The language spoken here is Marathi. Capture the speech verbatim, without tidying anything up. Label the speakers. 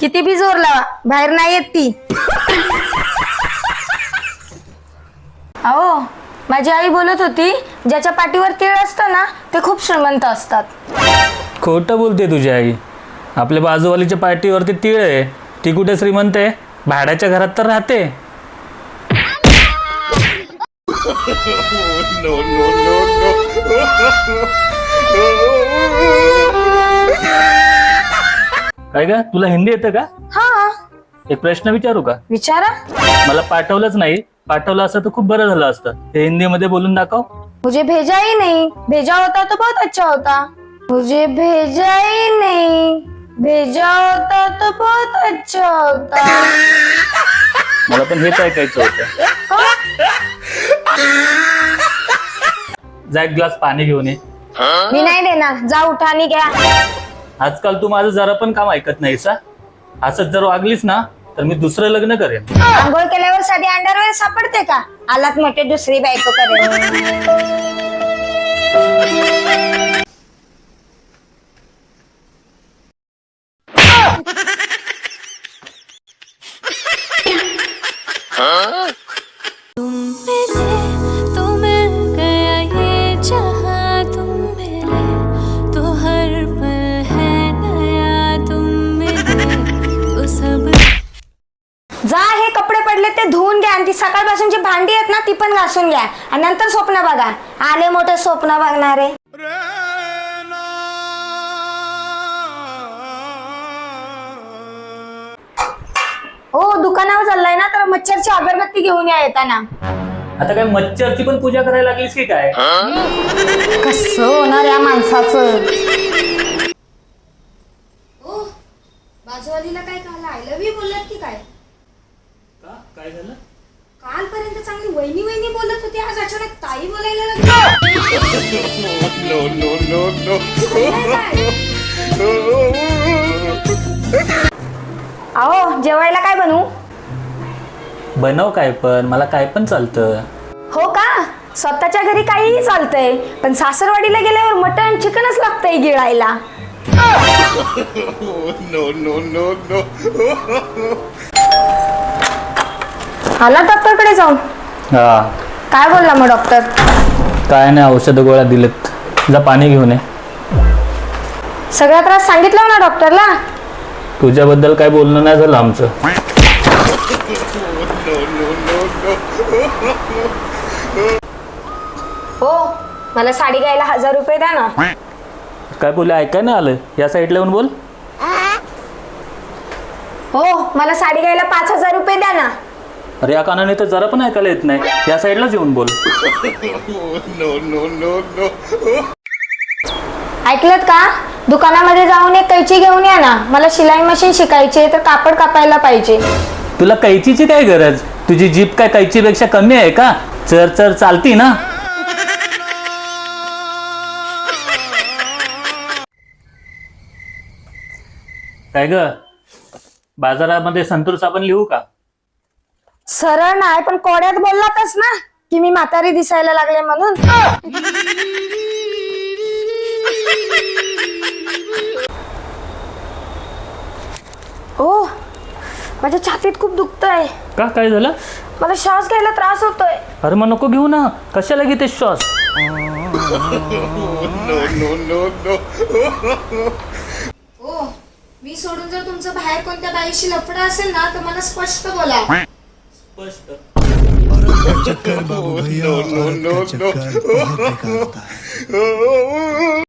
Speaker 1: किती बी जोर लावा बाहेर नाही येत ती. अहो माझी आई बोलत होती ज्याच्या पाठीवर तीळ असतं ना ते खूप श्रीमंत असतात.
Speaker 2: खोटं बोलते तुझी आई. आपल्या बाजूवालीच्या पाठीवरती तीळ आहे, ती कुठे श्रीमंत आहे? भाड्याच्या घरात तर राहते. काय का तुला हिंदी येतं का?
Speaker 1: हा
Speaker 2: एक प्रश्न विचारू का?
Speaker 1: विचारा.
Speaker 2: मला पाठवलंच नाही, पाठवलं असतं तर खूप बरं झालं असतं. ते हिंदी मध्ये बोलून दाखव.
Speaker 1: मुझे भेजा ही नहीं, भेजा होता तो बहुत अच्छा होता. मुझे भेजा ही नहीं, भेजा होता तो बहुत अच्छा होता.
Speaker 2: मला पण हेच ऐकायचं होतं. जा एक ग्लास पाणी घेऊन ये.
Speaker 1: मी नाही देणार, जा उठा आणि घ्या.
Speaker 2: आजकाल तू माझं जरा पण काम ऐकत नाहीस. असंच जर वागलीस ना तर मी दुसरं लग्न करेन.
Speaker 1: आंघोळ केल्यावर साधी अंडरवेअर सापडते का? आलात मोठे दुसरी बायको करेन.
Speaker 3: तुम मिले तो मिल गया ये जहां, तुम मिले तो हर पल है नया, तुम मिले तो सब.
Speaker 1: जा हे कपडे पडले ते धुवून घ्या आणि ती सकाळपासूनची भांडी आहेत ना ती पण घासून घ्या आणि नंतर स्वप्न बघा. आले मोठे स्वप्न बघणारे. हो दुकानावर चाललाय ना तर मच्छरची अगरबत्ती घेऊन या येताना.
Speaker 2: आता काय मच्छरची पण पूजा करायला लागलीस की काय?
Speaker 1: कसं होणार या माणसाचं? ओ बाजूवालीला काय कहला आय लव्ह यू बोललात की काय?
Speaker 2: काय झालं?
Speaker 1: कालपर्यंत चांगली वहिनी वहिनी बोलत होती, आज अचानक ताई बोलायला लागली.
Speaker 4: No, no, no, no.
Speaker 1: अहो जेवायला काय बनवू?
Speaker 2: बनव काय पण, मला काय पण चालतं.
Speaker 1: हो का? स्वतःच्या घरी काहीही चालतंय पण सासरवाडीला गेल्यावर मटण चिकनच लागतंय गिळायला.
Speaker 4: No, no, no, no.
Speaker 1: आला डॉक्टरकडे जाऊन?
Speaker 2: हा
Speaker 1: काय बोलला मग डॉक्टर?
Speaker 2: काय नाही, औषध गोळ्या दिलेत. जा पाणी घेऊन ये.
Speaker 1: सगळा त्रास सांगितला ना डॉक्टरला?
Speaker 2: तुझ्याबद्दल काय बोलणं नाही झालं आमचं.
Speaker 1: हो मला साडी घ्यायला हजार रुपये द्या ना.
Speaker 2: काय बोलले ऐकाय नाही आलं? या साईडला येऊन बोल.
Speaker 1: हो मला साडी घ्यायला पाच हजार रुपये द्या ना.
Speaker 2: अरे या कानाने तर जरा पण ऐकायला येत नाही. या साईडलाच येऊन बोल.
Speaker 4: No, no, no, no.
Speaker 1: ऐकलत का? दुकानामध्ये जाऊन एक कैची घेऊन या ना. मला शिलाई मशीन शिकायची आहे तर कापड कापायला पाहिजे.
Speaker 2: तुला कैचीची काय गरज? तुझी जीभ काय कैचीपेक्षा कमी आहे का? चर चर चालती ना. काय ग बाजारामध्ये संतूर साबण लिहू का?
Speaker 1: सरळ नाही पण कोड्यात बोललातच ना की मी म्हातारी दिसायला लागले म्हणून. ओ माझ्या छातीत खूप दुखतंय.
Speaker 2: का काय झालं?
Speaker 1: मला श्वास घ्यायला त्रास होतोय.
Speaker 2: अरे मग नको घेऊ ना. कशाला घेते श्वास?
Speaker 4: No, no, no, no.
Speaker 1: ओ मी सोडून जर तुमचं बाहेर कोणत्या बाईशी लफडं असेल ना तर मला स्पष्ट बोला.
Speaker 2: स्पष्ट.
Speaker 5: चक्कर बाबू भैया,
Speaker 4: No, no, no,
Speaker 5: औरत का चक्कर बहुत बेकार होता है.